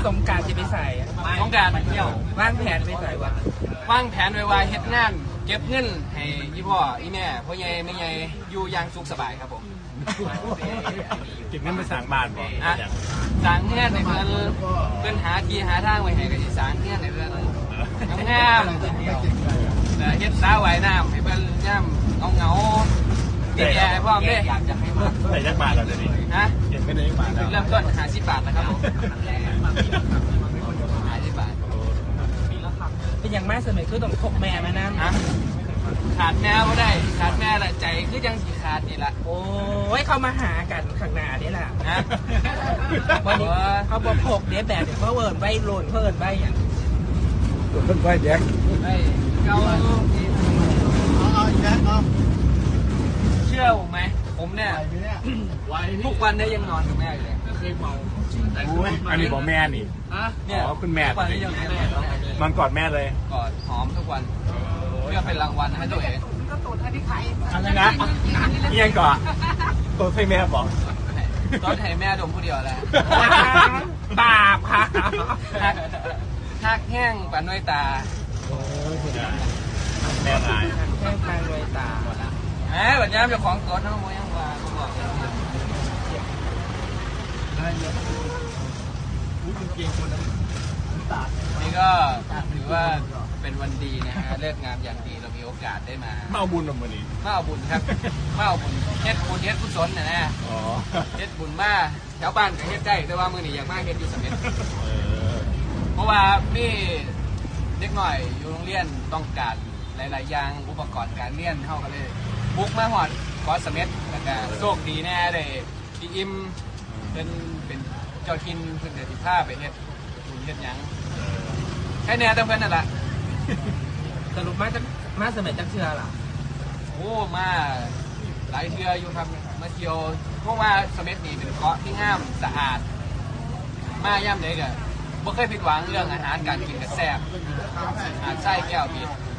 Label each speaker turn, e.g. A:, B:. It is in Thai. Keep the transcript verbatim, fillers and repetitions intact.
A: สงการจะไปใส่
B: สงการเที่ยว
A: วางแผนไปใส่วะ
B: วางแผนไว้ว่าเฮ็ดงานเก็บเงินให้ยี่พ่ออีแม่พ่อใหญ่แม่ใหญ่อยู่อย่างสุขสบายครับผม
C: เก็บเงินไปสั่งบ้านบ่
B: อ่ะสั่งเงินในเพื่อนเพื่อนหาที่หาทางไว้ให้กับที่สั่งเงินในเพื่อนงามเฮ็ดสาวว่ายน้ำให้เพื่อนย่ำเอาเงาเดี๋ยวพ่อแม่อยากจะให้มา
C: ใส่ยักษ์บาทเราจะดี
B: ฮะ
C: เก็บเงินในยักษ์บาท
B: เริ่มต้นหาสิบบาทนะครับผมหาสิบบาท
A: เป็นอย่างมากสมัยคือต้องพกแม่มานั่น
B: ขาดแม่ก็ได้ขาดแม่ละใจคือยังสีขาดนี่ละ
A: โอ้ยเขามาหากันข้างหน้านี่แหละ
B: นะ
A: วันนี้เขาบอกพกเดี๋ยวแบบเดี๋ยวเขาเวิร์นใบโลนเพิ่นใบอย่าง
C: เพิ่นใบแดง
B: ใบเกาเชื่อผมไหมผมเนี่ยทุกวันได้ยังนอนกับแม่อยู่เลยเคยเมา
C: อันนี้บอกแม่นี่
B: เนี่ย
C: คุณแม่
B: ทุกวันได้ยัง
C: นอนกอดแม่เลย
B: กอดหอมทุกวันเพื่อเป็นรางวัลให้ตัวเอง
A: ก็ตูดให้พี่ไข่
C: อะไรนะเอียงก่อนตัวให้แม่บอก
B: ตอนให้แม่ดมผู้เดียวแหละ
A: บาปค่ะ
B: หักแห้งปานน้อยตา
C: แม่ตาย
A: แห้งปานน้อยตาหมดละ
B: แหมแบบนี้เจ้าของกดน้องมวยยังว่าบอกนี่ก็ถือว่าเป็นวันดีนะฮะเลิกงามอย่างดีเรามีโอกาสได้มา
C: มาเอาบุญมาวันนี้
B: มาเอาบุญครับมาเอาบุญเฮ็ดบุญเฮ็ดกุศลนะนะเฮ็ดบุญมาแถวบ้านก็เฮ็ดได้แต่ว่ามือนี่อยากมาเฮ็ดอยู่สำเร็จเพราะว่าพี่เด็กหน่อยอยู่โรงเรียนต้องการหลายๆอย่างอุปกรณ์การเรียนเท่ากันเลยบุกมาหอดคอสเม็ดแล้วก็โชคดีแน่เลยที่อิมเป็นเป็นเจ้าทินเพื่อนเดือดที่ผ้าไปเฮ็ดบุญเฮ็ดยังแค่แน่แต่เพื่อนนั่นแหละ
A: สรุปมาจะมาสมัยจักเชื่อหรอ
B: โอ้มาหลายเชื่ออยู่ครับมาเที่ยวเพราะว่าสเม็ดนี่เป็นเกาะที่งามสะอาดมาย่ำเลยกันบ่เคยผิดหวังเรื่องอาหารการกินกับแซ่บอาหารไส้แก้วบิด